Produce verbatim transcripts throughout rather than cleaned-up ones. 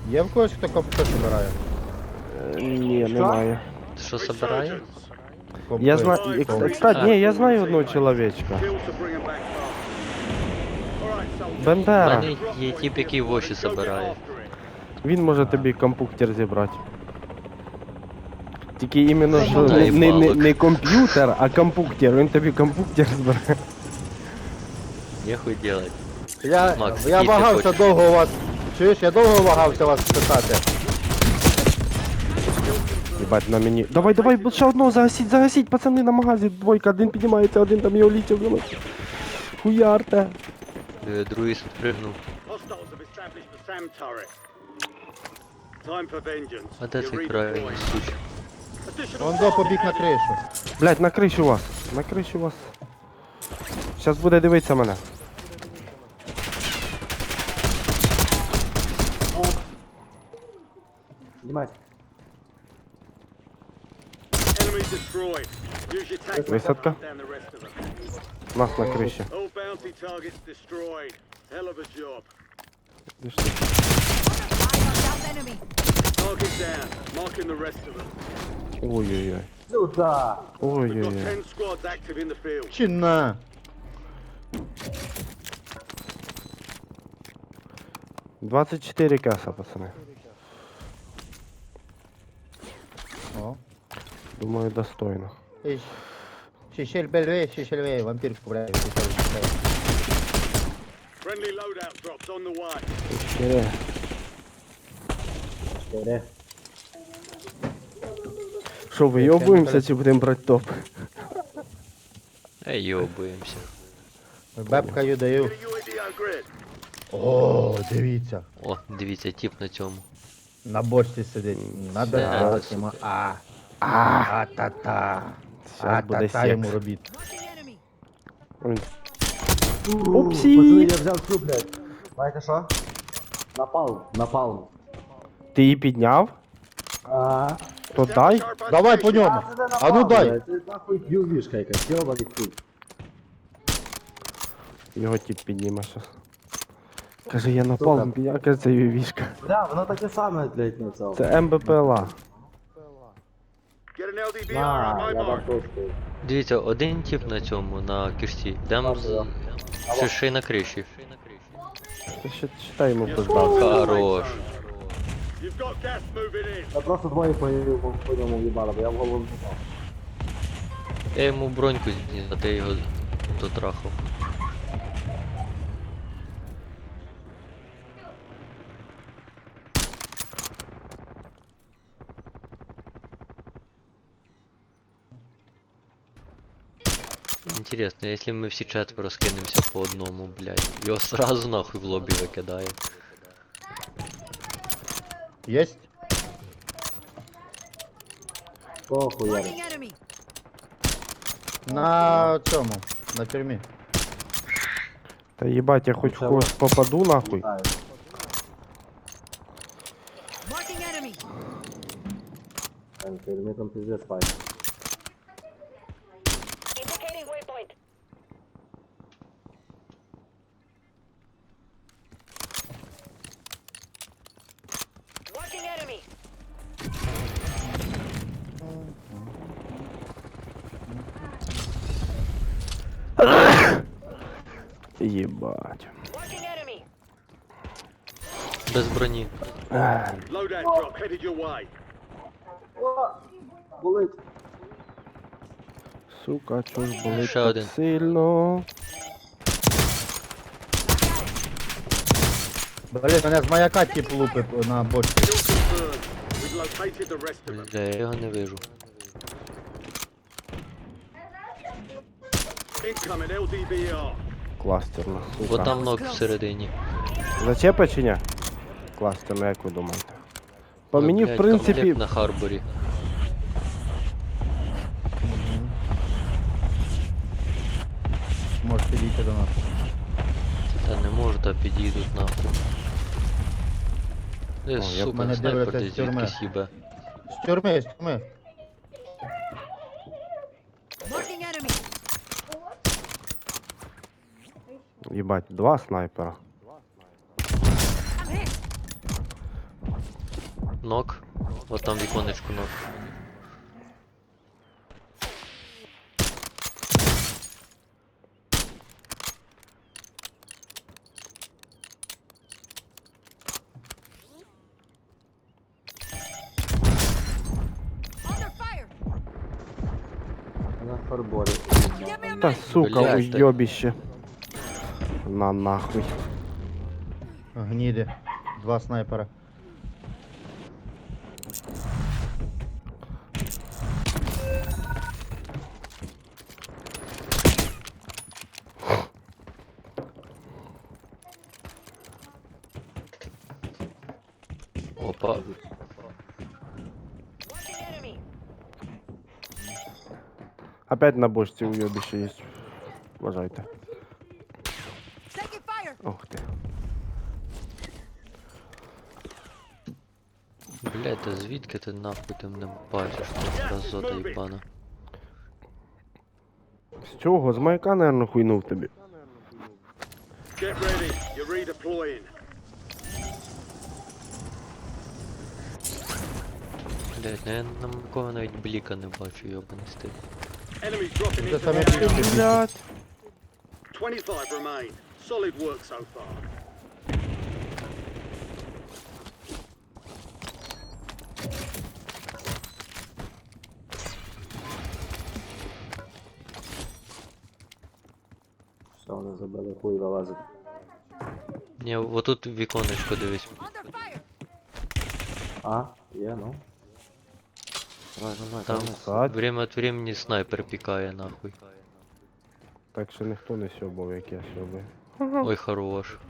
Є в когось, хто компи збирає? Е, Ні, немає. Ти що собирає? Компи. Я знаю, Компи. кстати, ні, я знаю одного чоловічка. У Бендера. мене є тип, який воші собирає. Він може тобі комп'ютер зібрати. Тільки іменно що Та не, й не, не, палок. не комп'ютер, а комп'ютер. Він тобі комп'ютер збирає. Нехуй делать. Я, Макс, я який ти вагався хочеш? довго у вас. Чуєш, я довго вагався вас питати. Єбать, на мені. Давай, давай, бо ще одного загасіть, загасіть, пацани, на магазі. Двойка, один піднімається, один там його літів. блін. Хуярте. Е, Другий спригнув. А де цей крайній суч? Он до побіг на кришу. Блять, на криші у вас. На криші у вас. Щас буде дивитися мене. Знімай. Висадка. Нас на криші. Де ж ти? Ой-ой-ой. Сюда. Ой-ой-ой. Чи на? двадцять чотири каса, пацани. О. Думаю, достойно. Шишель бельвей, шишель вей, вампирку, блядь. Чотири. Чотири. Що, вийобуємося чи будемо брати топ? Ей, йобуємося. Бебкаю даю. О, дивіться. О, дивіться, тип на цьому. На бочці сидить. Надо Це- сделати йому а. А, та-та. А, Щас буде та-та йому секс. робіть. Ой. Пацани, Упсі! я взяв цю, блядь. Знаєте що? Напал, напал. Ти її підняв? А. То дай. Давай по ньому. А ну дай. Це нахуй ювішка якась, йобаний хуй. Його тип підніме щас. Каже, я напав, підняв, каже, це вівішка. Бля, воно таке саме, блядь, на цьому. Це МБПЛА. На, я дам трошку. Дивіться, один тип на цьому, на кишці. Дам з... Ще, ще й на криші. Ти ще читай йому пиздав. Хорош. Я просто двоє по, по, по ньому в'їбало, бо я в голову не попав. Я йому броньку зніс, а ти його дотрахав. Интересно, если мы все четверо скинемся по одному, блядь, его сразу нахуй в лобби викидає. Єсть? Кого хуярить? Marking enemy. На цьому. На тюрмі. Та їбать, я хоч в когось попаду нахуй. Знаю. Marking enemy. Там тюрмі там пиздец файт. Indicating waypoint. Marking enemy. Єбать. Marking enemy. Без броні. Loadout drop headed your way. О, болить. Сука, чого ж болить Ще так один. сильно? Блін, мене з маяка тип лупить на бочці. Kill confirmed. We've located the rest of them. Бля, я його не вижу. Incoming L D B R. Кластерна, Бо сука. там ног всередині. Зачепа чи ні? Кластерна, як ви думаєте? По Ой, мені, блядь, в принципі, комплект на Харборі. Може підійти до нас. Та не можу, та підійдуть нахуй. Де, я б сука, мене снайпер дивляться десь з тюрми. звідкись їбе. З тюрми, з тюрми. Marking enemy. їбать, два снайпера. I'm hit. Нок. Вот там віконечку нок. Under fire. На фарборі. Give me a Та minute. сука, Блядь, уйобіще. На нахуй. Гніди. Два снайпера. Опа. Watching enemy. Опять на бочці уйобіще є. Вважайте. Taking fire. Ох ти. Блядь, та звідки ти нахуй ти мене бачиш? Ти разота їбана. З чого? З маяка, наверно, хуйнув тобі. Get ready. You're redeploying. Блядь, ну я на кого навіть бліка не бачу, йобаний стиль. Enemies dropping Це into саме the AO. Блядь. twenty-five remain. Solid work so far. Все, вони забили хуй вилазить. Ні, отут віконечко дивись. Under fire. А, є, ну. Давай, давай, Там давай. Так. время от времени снайпер пікає нахуй. Так що ніхто не сьобав, як я сьобаю. Ой, хорош.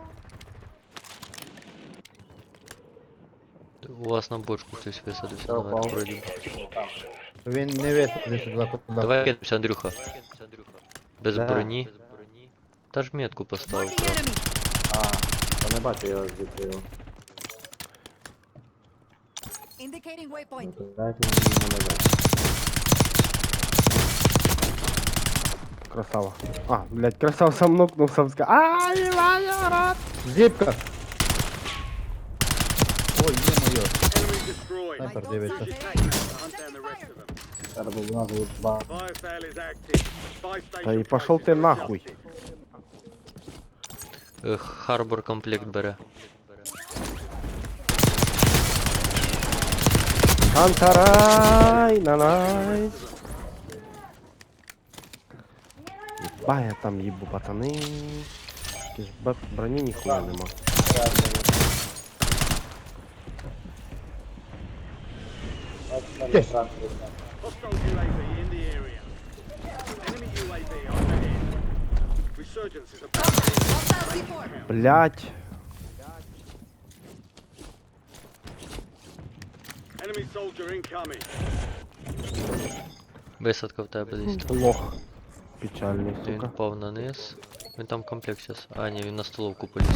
У вас на бочку хтось висадився Я наверх впав. вроді. Він не висадився два куди. Давай кинемося, Андрюха. Без Да. броні. Та ж метку поставив. Marking enemy. А, я не бачу його звідти його. Indicating waypoint. Ну, то дайте мені не дати. Красава. А, блядь, красав сам нокнув, сам ска. Ай, Ваня, рад! Зіпка! Ой, є-моє. Enemy destroyed. Снайпер дивиться. Use your tactics to hunt down the rest of them. Зараз буде нас буде два. Fire sale is active. Five Та і station пошов ти prices are нахуй. adjusted. Е, Харбор комплект бере. Антарай, нанай. Єба, я там їбу, пацани. Якісь б- броні ніхуя нема. Hostile U A V in the area. Enemy U A V overhead. Resurgence is about to end. Hostile C four. Блять. Enemy soldier incoming. Висадка в тебе десь там. Лох. Печальний, Він сука. впав на низ. Він там комплект зараз. А, ні, він на столовку поліз.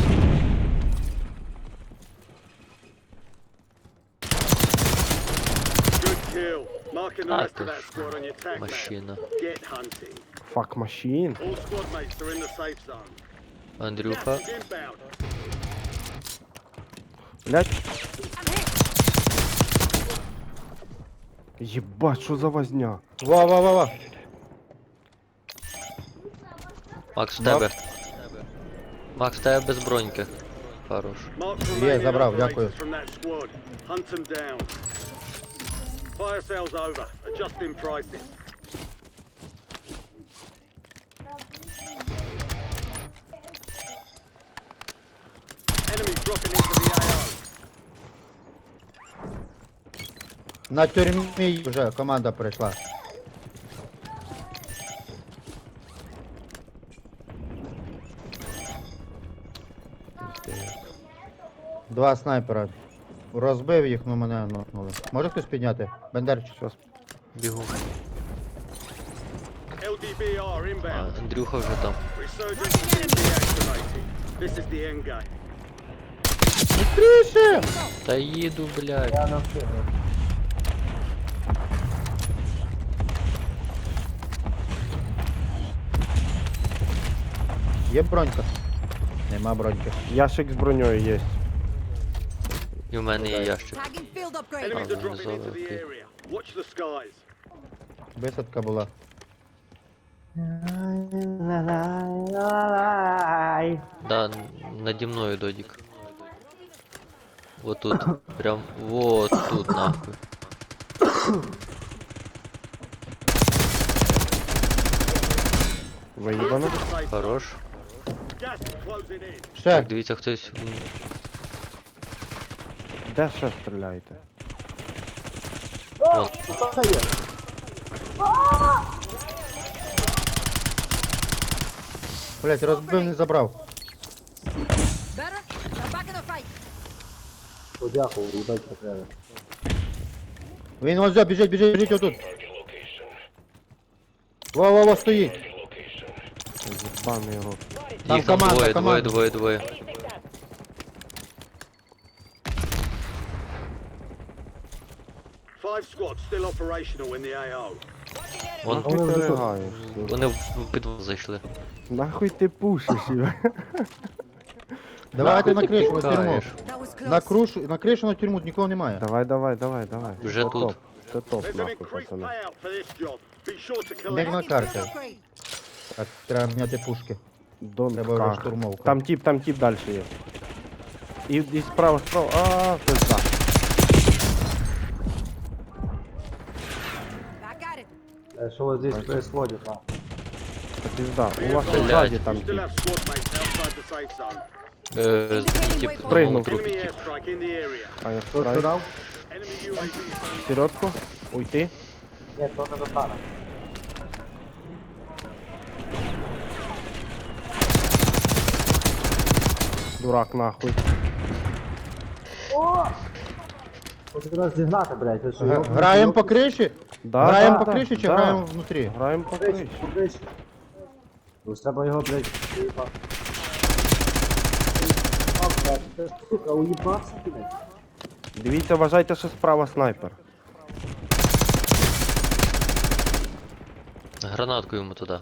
Good kill. Marking the Ah, rest of that ты squad on your tac map. Машина. Get hunting. Фак машин. All squad mates are in the safe zone. Андрюха. Gas is inbound. Блять. I'm hit. Єбать, що за возня? Ва, ва, ва, ва. Макс, в тебе. Макс, в тебе без броньки. Хорош. Mark Є, remaining забрав, operators дякую. from that squad. Hunt them down. Fire sale's over. Adjusting prices. Enemy dropping into the A O. На тюрмі вже команда прийшла. Два снайпера. Розбив їх, ну мене нокнули. Може хтось підняти? Бендерчик. Щас. Бігу. L D B R А, inbound. Андрюха вже там. Resurgence has been deactivated. This is the end game. Тріше! Та їду, блядь. Я не встигну. Є бронька? Нема броньки. Ящик з броньою є. І в мене є ящик. Tagging field upgrade. Enemies Oh, are dropping no, into the okay. area. Watch the skies. Висадка була. Да, н- наді мною додік. Вот тут. Прям вот тут нахуй. Виїбано. Safe. Хорош. Gas is closing in. Ще. Так, дивіться, хтось. м, Де ще стріляєте? От. Блять, розбив, не забрав. Better? Now back in the fight. О, дякую, їбать потрібно. Він ось за, біжить, біжить, біжить отут. Во, во, во, стоїть. Єбаний рот. Там Їх там команда, двоє, двоє, команда. двоє, двоє. Five squads still operational in the А О. Вон, Нахуй ти ригаєш? вони в в підвал зайшли. Нахуй ти пушиш його? Давайте на Нахуй ти кришу, на тюрму. пікаєш? That was close. На кришу, на кришу, на тюрму нікого немає. Давай, давай, давай, давай. Вже Це тут. топ. Це топ, There's an нахуй, increased пацани. payout for this job. Be sure to Де collect. на Tagging карті? field upgrade. Так, треба міняти пушки. Дон Треба вже как. штурмовка. Там тип, там тип далі є. І, і справа, справа. А, пизда. Back at it. Е, Що ось здесь происходит, а? Це пизда. У вас Блядь. ззаді там You still тип. have squad mates outside the safe zone. Е, тип Спригнув. на трупі, Enemy тип. airstrike in the area. А я Хто страйк. сюдав? Enemy ю ей ві. Середку. Уйти. Ні, то не достане. Дурак нахуй. Ось якраз зігнати, блядь, ви що? Г- його- Граємо по криші? Да, Граємо да, по да, криші чи да. граємо внутрі? Граємо по Криш, криші. криш. Ось треба його, блядь, уїбати. А, блядь, це ж, сука, уїбався, блядь. Дивіться, вважайте, що справа снайпер. Гранатку йому туди.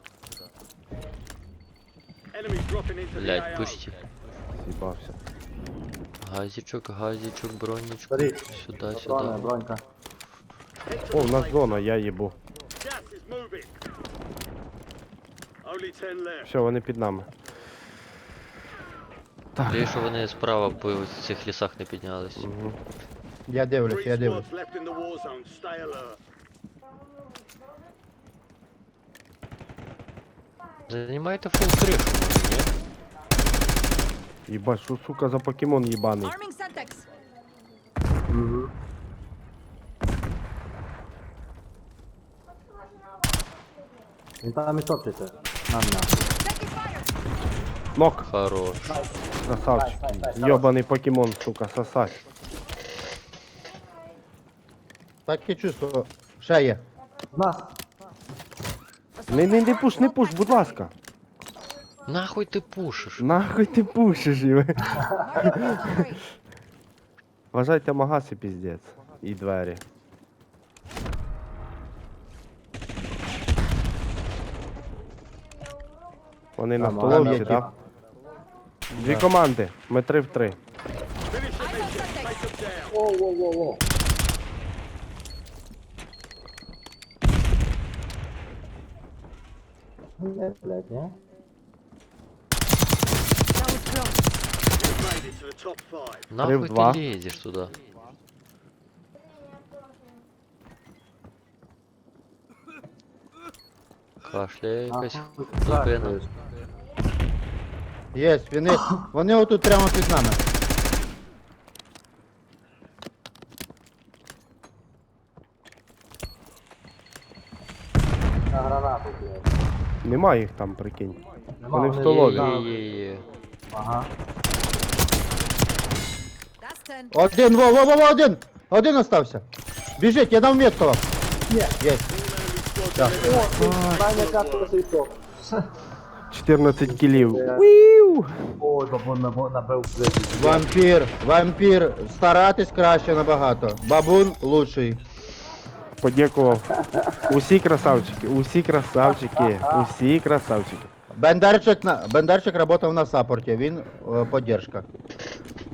Enemies dropping into the Блять, А О. пусті. З'їбався. Газічок, газічок, бронічку. Бери. Сюди, Броня, сюди. бронька. О, в нас зона, я їбу. Gas is moving. Only ten left. Все, вони під нами. Так. Те, що вони справа по цих лісах не піднялись. Мгм. Я дивлюсь, Three я дивлюсь. squads left in the war zone. Stay alert. Займайте фул кришу, може, ні? Єбать, що сука за покемон їбаний. Arming Semtex. Угу. Він там і топчеться. На мене. Taking fire. Нок, Хорош. красавчик. Йобаний покемон, сука, сосать. Таке чувство. Ще є. В нас. Не, не, не пуш, не пуш, будь ласка. Нахуй ти пушиш? Нахуй ти пушиш його. Marking field upgrade. Вважайте магаз і піздець. І двері. Вони на Там, столовці, там є так? Дві команди. Ми три в три. Finish the I mission. got Take Semtex. them down. Воу-воу-воу-воу. Блядь, блядь, ні? That was close. You've made it to the top five. Нахуй два. ти лізеш туди? Кашляє якась Нахуй ти зупина. трахаєш. Є, вони, вони отут прямо під нами. На гранату, блядь. Нема їх там, прикинь. Нема, Вони в вони столові. Є, там. є, є, є. Ага. That's ten. Один, во, во, во, во, один! Один остався. Біжить, я дам метку вам. Є. Є. Так. Даня капсула світок. чотирнадцять кілів. Уіу! Ой, бабун наб- набив блядь. Вампір, вампір, старатись краще набагато. Бабун лучший. Подякував. Усі красавчики, усі красавчики, усі красавчики. Бендарчик, на, Бендарчик работав на саппорті, він е, поддержка.